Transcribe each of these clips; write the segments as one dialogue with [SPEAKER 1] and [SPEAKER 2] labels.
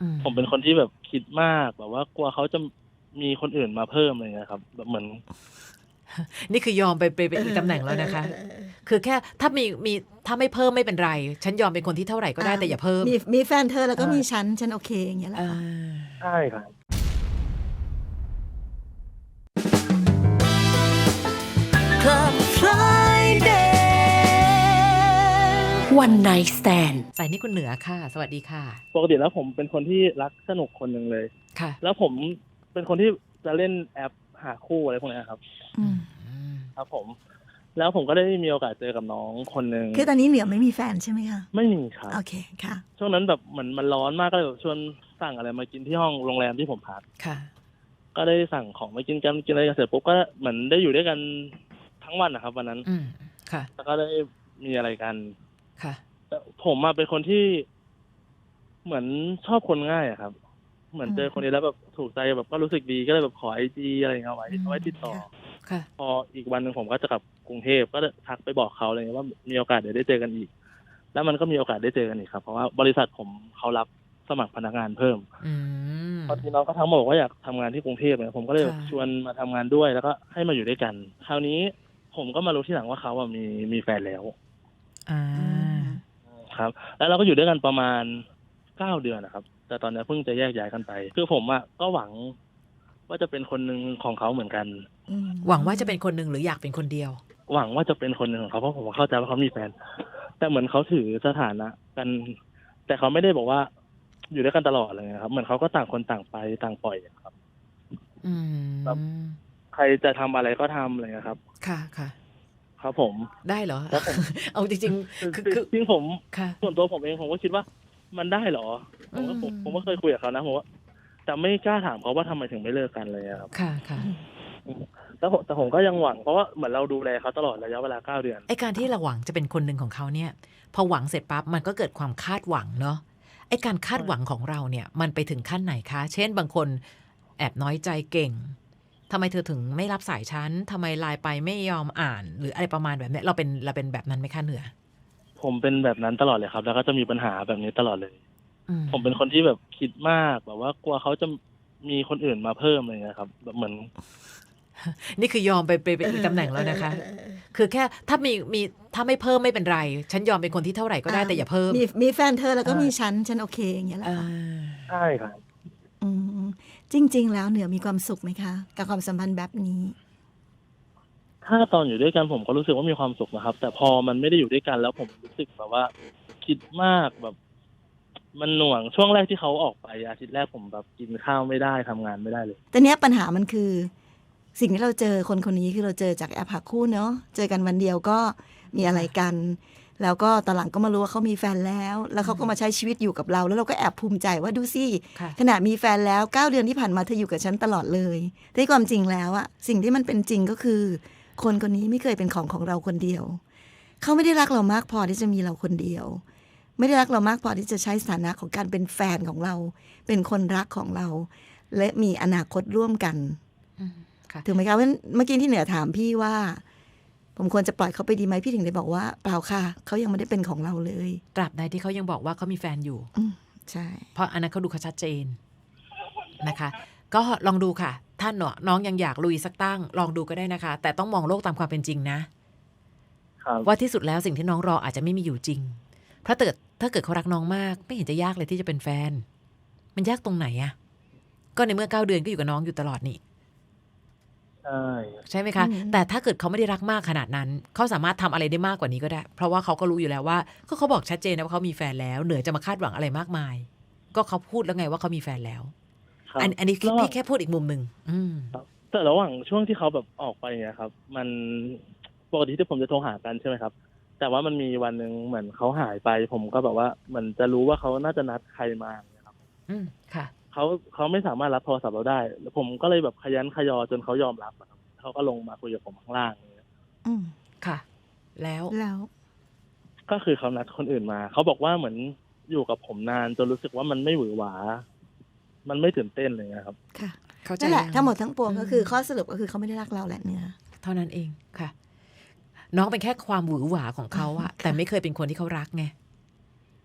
[SPEAKER 1] ผมเป็นคนที่แบบคิดมากแบบว่ากลัวเขาจะมีคนอื่นมาเพิ่มอะไรเงี้ยครับแบบเหมือน
[SPEAKER 2] นี่คือยอมไปเป็นอีกตำแหน่งแล้วนะคะคือแค่ถ้าถ้าไม่เพิ่มไม่เป็นไรฉันยอมเป็นคนที่เท่าไหร่ก็ได้แต่อย่าเพิ่ม
[SPEAKER 3] มีแฟนเธอแล้วก็มีฉันโอเคอย่างเงี้ยแหละค่ะ
[SPEAKER 1] ใช่ครับ
[SPEAKER 3] Club Friday One Night Stand
[SPEAKER 2] สายนี้คุณเหนือค่ะสวัสดีค่ะ
[SPEAKER 1] ปกติแล้วผมเป็นคนที่รักสนุกคนหนึ่งเลย
[SPEAKER 2] ค่ะ
[SPEAKER 1] แล้วผมเป็นคนที่จะเล่นแอปหาคู่อะไรพวกนี้ครับครับผมแล้วผมก็ได้มีโอกาสเจอกับน้องคนหนึ่ง
[SPEAKER 3] คือตอนนี้เหนือไม่มีแฟนใช่ไหมคะ
[SPEAKER 1] ไม่มีครับ
[SPEAKER 3] โอเคค่ะ
[SPEAKER 1] ช่วงนั้นแบบเหมือนมันร้อนมากก็เลยแบบชวนสั่งอะไรมากินที่ห้องโรงแรมที่ผมพัก
[SPEAKER 2] ค่ะ
[SPEAKER 1] ก็ได้สั่งของมากินกันกินอะไรกันเสร็จปุ๊บก็เหมือนได้อยู่ด้วยกันทั้งวันนะครับวันนั้น
[SPEAKER 2] ค่ะ
[SPEAKER 1] แล้วก็ได้มีอะไรกัน
[SPEAKER 2] ค่ะ
[SPEAKER 1] แต่ผมมาเป็นคนที่เหมือนชอบคนง่ายอะครับเหมือนเจอคนนี้แล้วแบบถูกใจแบบก็รู้สึกดีก็เลยแบบขอIGอะไรเงี้ยเอาไว้ติดต่อ
[SPEAKER 2] ค่ะ
[SPEAKER 1] พออีกวันนึงผมก็จะกลับกรุงเทพก็ทักไปบอกเขาอะไรเงี้ยว่ามีโอกาสเดี๋ยวได้เจอกันอีกแล้วมันก็มีโอกาสได้เจอกันอีกครับเพราะว่าบริษัทผมเขารับสมัครพนักงานเพิ่มพอทีน้องก็ทั้งหมดบอกว่าอยากทำงานที่กรุงเทพเนี่ยผมก็เลยชวนมาทำงานด้วยแล้วก็ให้มาอยู่ด้วยกันคราวนี้ผมก็มารู้ที่หลังว่าเขาอะมีแฟนแล้วครับแล้วเราก็อยู่ด้วยกันประมาณ9 เดือนนะครับแต่ตอนนี้เพิ่งจะแยกย้ายกันไปคือผมอะก็หวังว่าจะเป็นคนหนึ่งของเขาเหมือนกัน
[SPEAKER 2] หวังว่าจะเป็นคนหนึ่งหรืออยากเป็นคนเดียว
[SPEAKER 1] หวังว่าจะเป็นคนหนึ่งของเขาเพราะผมเข้าใจว่าเขามีแฟนแต่เหมือนเขาถือสถานะกันแต่เขาไม่ได้บอกว่าอยู่ด้วยกันตลอดเลยครับเหมือนเขาก็ต่างคนต่างไปต่างปล่อยครับแบบใครจะทำอะไรก็ทำอะไรครับ
[SPEAKER 2] ค่ะค่ะ
[SPEAKER 1] ครับผม
[SPEAKER 2] ได้เหรอเอาจริงๆคือ
[SPEAKER 1] จริงผมส่วนตัวผมเองผมก็คิดว่ามันได้เหรอผมก็เคยคุยกับเขานะผมว่าแต่ไม่กล้าถามเขาว่าทำไมถึงไม่เลิกกันเลยครับ
[SPEAKER 2] ค่ะค่ะ
[SPEAKER 1] แต่ผมก็ยังหวังเพราะว่าเหมือนเราดูแลเขาตลอดระยะเวลา9 เดือน
[SPEAKER 2] ไอ้การที่เราหวังจะเป็นคนหนึ่งของเขาเนี่ยพอหวังเสร็จปั๊บมันก็เกิดความคาดหวังเนาะไอ้การคาดหวังของเราเนี่ยมันไปถึงขั้นไหนคะเช่นบางคนแอบน้อยใจเก่งทำไมเธอถึงไม่รับสายฉันทำไมไลน์ไปไม่ยอมอ่านหรืออะไรประมาณแบบนี้เราเป็นแบบนั้นไหมคะเหนือ
[SPEAKER 1] ผมเป็นแบบนั้นตลอดเลยครับแล้วก็จะมีปัญหาแบบนี้ตลอดเลยผมเป็นคนที่แบบคิดมากแบบว่ากลัวเขาจะมีคนอื่นมาเพิ่มอะไรเงี้ยครับแบบเหมือน
[SPEAKER 2] นี่คือยอมไปเป็นอีกตำแหน่งแล้วนะคะคือแค่ถ้าถ้าไม่เพิ่มไม่เป็นไรฉันยอมเป็นคนที่เท่าไหร่ก็ได้แต่อย่าเพิ่ม
[SPEAKER 3] มีแฟนเธอแล้วก็มีฉันโอเคอย่างเงี้ยแหละค่ะ
[SPEAKER 1] ใช่ครับ
[SPEAKER 3] จริงๆแล้วเหนือมีความสุขไหมคะกับความสัมพันธ์แบบนี้
[SPEAKER 1] ถ้าตอนอยู่ด้วยกันผมก็รู้สึกว่ามีความสุขนะครับแต่พอมันไม่ได้อยู่ด้วยกันแล้วผมรู้สึกแบบว่าคิดมากแบบมันหน่วงช่วงแรกที่เขาออกไปอาทิตย์แรกผมแบบกินข้าวไม่ได้ทำงานไม่ได้เลย
[SPEAKER 3] แต่เนี้ยปัญหามันคือสิ่งที่เราเจอคนนี้คือเราเจอจากแอปหาคู่เนาะเจอกันวันเดียวก็มีอะไรกันแล้วก็ตอนหลังก็มารู้ว่าเขามีแฟนแล้วเขาก็มาใช้ชีวิตอยู่กับเราแล้วเราก็แอบภูมิใจว่าดูสิขนาดมีแฟนแล้ว9 เดือนที่ผ่านมาเธออยู่กับฉันตลอดเลยแต่ความจริงแล้วอะสิ่งที่มันเป็นจริงก็คือคนนี้ไม่เคยเป็นของเราคนเดียวเขาไม่ได้รักเรามากพอที่จะมีเราคนเดียวไม่ได้รักเรามากพอที่จะใช้สถานะของการเป็นแฟนของเราเป็นคนรักของเราและมีอนาคตร่วมกันถูกไหมคะเพราะเมื่อกี้ที่เหนือถามพี่ว่าผมควรจะปล่อยเขาไปดีไหมพี่ถึงได้บอกว่าเปล่าค่ะเขายังไม่ได้เป็นของเราเลย
[SPEAKER 2] ตราบใดที่เขายังบอกว่าเขามีแฟนอยู่
[SPEAKER 3] ใช่
[SPEAKER 2] เพราะอันนั้นเขาดูเขาชัดเจนนะคะก็ลองดูค่ะท่านน้องยังอยากลุยสักตั้งลองดูก็ได้นะคะแต่ต้องมองโลกตามความเป็นจริงนะว่าที่สุดแล้วสิ่งที่น้องรออาจจะไม่มีอยู่จริงเพราะถ้าเกิดเขารักน้องมากไม่เห็นจะยากเลยที่จะเป็นแฟนมันยากตรงไหนอะก็ในเมื่อ9 เดือนก็อยู่กับน้องอยู่ตลอดนี่ใช่ไหมคะแต่ถ้าเกิดเขาไม่ได้รักมากขนาดนั้นเขาสามารถทำอะไรได้มากกว่านี้ก็ได้เพราะว่าเขาก็รู้อยู่แล้วว่าก็เขาบอกชัดเจนนะว่าเขามีแฟนแล้วเหนือจะมาคาดหวังอะไรมากมายก็เขาพูดแล้วไงว่าเขามีแฟนแล้วอันนี้พี่แค่พูดอีกมุมหนึ่ง
[SPEAKER 1] แต่ระหว่างช่วงที่เขาแบบออกไปเนี่ยครับมันปกติที่ผมจะโทรหากันใช่ไหมครับแต่ว่ามันมีวันหนึ่งเหมือนเขาหายไปผมก็แบบว่าเหมือนจะรู้ว่าเขาน่าจะนัดใครมาเนี่ยครับ
[SPEAKER 2] ค่ะ
[SPEAKER 1] เขาไม่สามารถรับโทรศัพท์เราได้แล้วผมก็เลยแบบขยันขยอจนเขายอมรับเขาก็ลงมาคุยกับผมข้างล่างเนี่ย
[SPEAKER 2] ค่ะแล้ว
[SPEAKER 1] ก็คือเขานัดคนอื่นมาเขาบอกว่าเหมือนอยู่กับผมนานจนรู้สึกว่ามันไม่หวือหวามันไม่ตื่นเต้นเลยนะครับ
[SPEAKER 3] ค่ะนั่นแหละทั้งหมดทั้งปวงก็คือข้อสรุปก็คือเขาไม่ได้รักเราแหละเนื้อ
[SPEAKER 2] เท่านั้นเองค่ะน้องเป็นแค่ความหวือหวาของเขาอะแต่ไม่เคยเป็นคนที่เขารักไง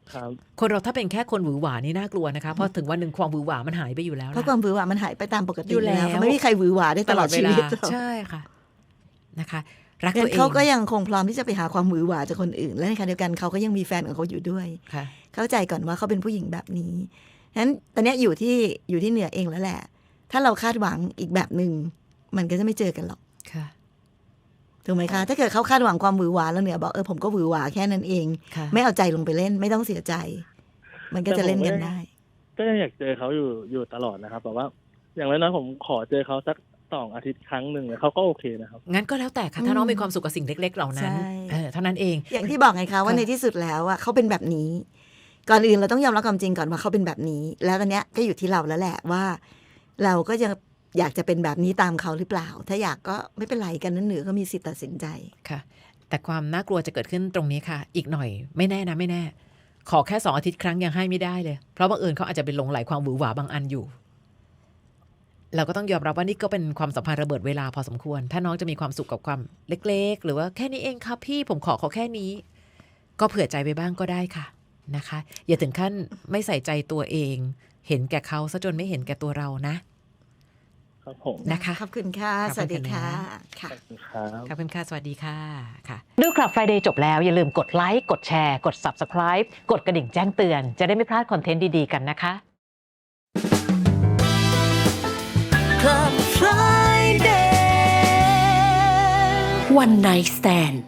[SPEAKER 1] ครับ
[SPEAKER 2] คนเราถ้าเป็นแค่คนหวือหวานี่น่ากลัวนะคะเพราะถึงวันหนึ่งความหวือหวามันหายไปอยู่แล้ว
[SPEAKER 3] เพราะความหวือหวามันหายไปตามปกติ
[SPEAKER 2] อยู่แล้ว
[SPEAKER 3] ไม่มีใครหวือหวาได้ตลอดชีวิต
[SPEAKER 2] ใช่ค่ะนะคะรัก
[SPEAKER 3] งั้
[SPEAKER 2] ตัวน เอง
[SPEAKER 3] เขาก็ยังคงพร้อมที่จะไปหาความหวือหวาจากคนอื่น และในขณะเดียวกันเขาก็ยังมีแฟนของเขาอยู่ด้วย
[SPEAKER 2] ค่ะ
[SPEAKER 3] เข้าใจก่อนว่าเขาเป็นผู้หญิงแบบนี้ฉะนั้นตอนนี้อยู่ที่เหนือเองแล้วแหละ ถ้าเราคาดหวังอีกแบบหนึ่งมันก็จะไม่เจอกันหรอก
[SPEAKER 2] ค่ะ
[SPEAKER 3] ถูกไหมคะ ถ้าเกิดเขาคาดหวังความหวือหวาแล้วเหนือบอกผมก็หวือหวาแค่นั้นเอง
[SPEAKER 2] ค่ะ
[SPEAKER 3] ไม่เอาใจลงไปเล่นไม่ต้องเสียใจ มันก็จะเล่นกันได้
[SPEAKER 1] ก็ยังอยากเจอเขาอยู่ตลอดนะครับแต่ว่า อย่างน้อยๆผมขอเจอเขาสัก2 อาทิตย์ครั้งหนึ่งเขาก็โอเคนะครับ
[SPEAKER 2] งั้นก็แล้วแต่ค่ะถ้าน้องมีความสุขกับสิ่งเล็กๆเหล่านั้น
[SPEAKER 3] ใช่
[SPEAKER 2] เท่านั้นเอง
[SPEAKER 3] อย่างที่บอกไงคะว่า
[SPEAKER 2] ค่ะ
[SPEAKER 3] ในที่สุดแล้วอะเขาเป็นแบบนี้ ก่อนอื่นเราต้องยอมรับความจริงก่อนว่าเขาเป็นแบบนี้ แล้วตอนเนี้ยก็อยู่ที่เราแล้วแหละว่า เราก็ยังอยากจะเป็นแบบนี้ตามเขาหรือเปล่า ถ้าอยากก็ไม่เป็นไรกันนั้นเหนือก็มีสิทธิ์ตัดสินใจ
[SPEAKER 2] ค่ะ แต่ความน่ากลัวจะเกิดขึ้นตรงนี้ค่ะ อีกหน่อยไม่แน่นะไม่แน่ ขอแค่2 อาทิตย์ครั้งยังให้ไม่ได้เลยเพราะบังเอิญเขาอาจจะเป็นหลงไหลความหวือหวาบางอันอยู่ เราก็ต้องยอมรับว่านี่ก็เป็นความสัมพันธ์ระเบิดเวลาพอสมควร ถ้าน้องจะมีความสุขกับความเล็กๆหรือว่าแค่นี้เองครับพี่ผมขอแค่นี้ ก็เผื่อใจไปบ้างก็ได้ค่ะนะคะ อย่าถึงขั้นไม่ใส่ใจตัวเอง เห็นแก่เขาซะจนไม่เห็นแก่ตัวเรานะครับ
[SPEAKER 1] ผม
[SPEAKER 2] นะคะ
[SPEAKER 3] ขอบคุณค่ะ
[SPEAKER 2] ขอบคุณ
[SPEAKER 3] สวัสดีค่ะ
[SPEAKER 1] ขอบคุณครับ
[SPEAKER 2] ขอบคุณค่ะสวัสดีค่ะค่ะ
[SPEAKER 4] ดูคลับ Friday จบแล้วอย่าลืมกดไลค์กดแชร์กด Subscribe กดกระดิ่งแจ้งเตือนจะได้ไม่พลาดคอนเทนต์ดีๆกันนะคะ
[SPEAKER 3] Club Friday
[SPEAKER 5] One Night Stand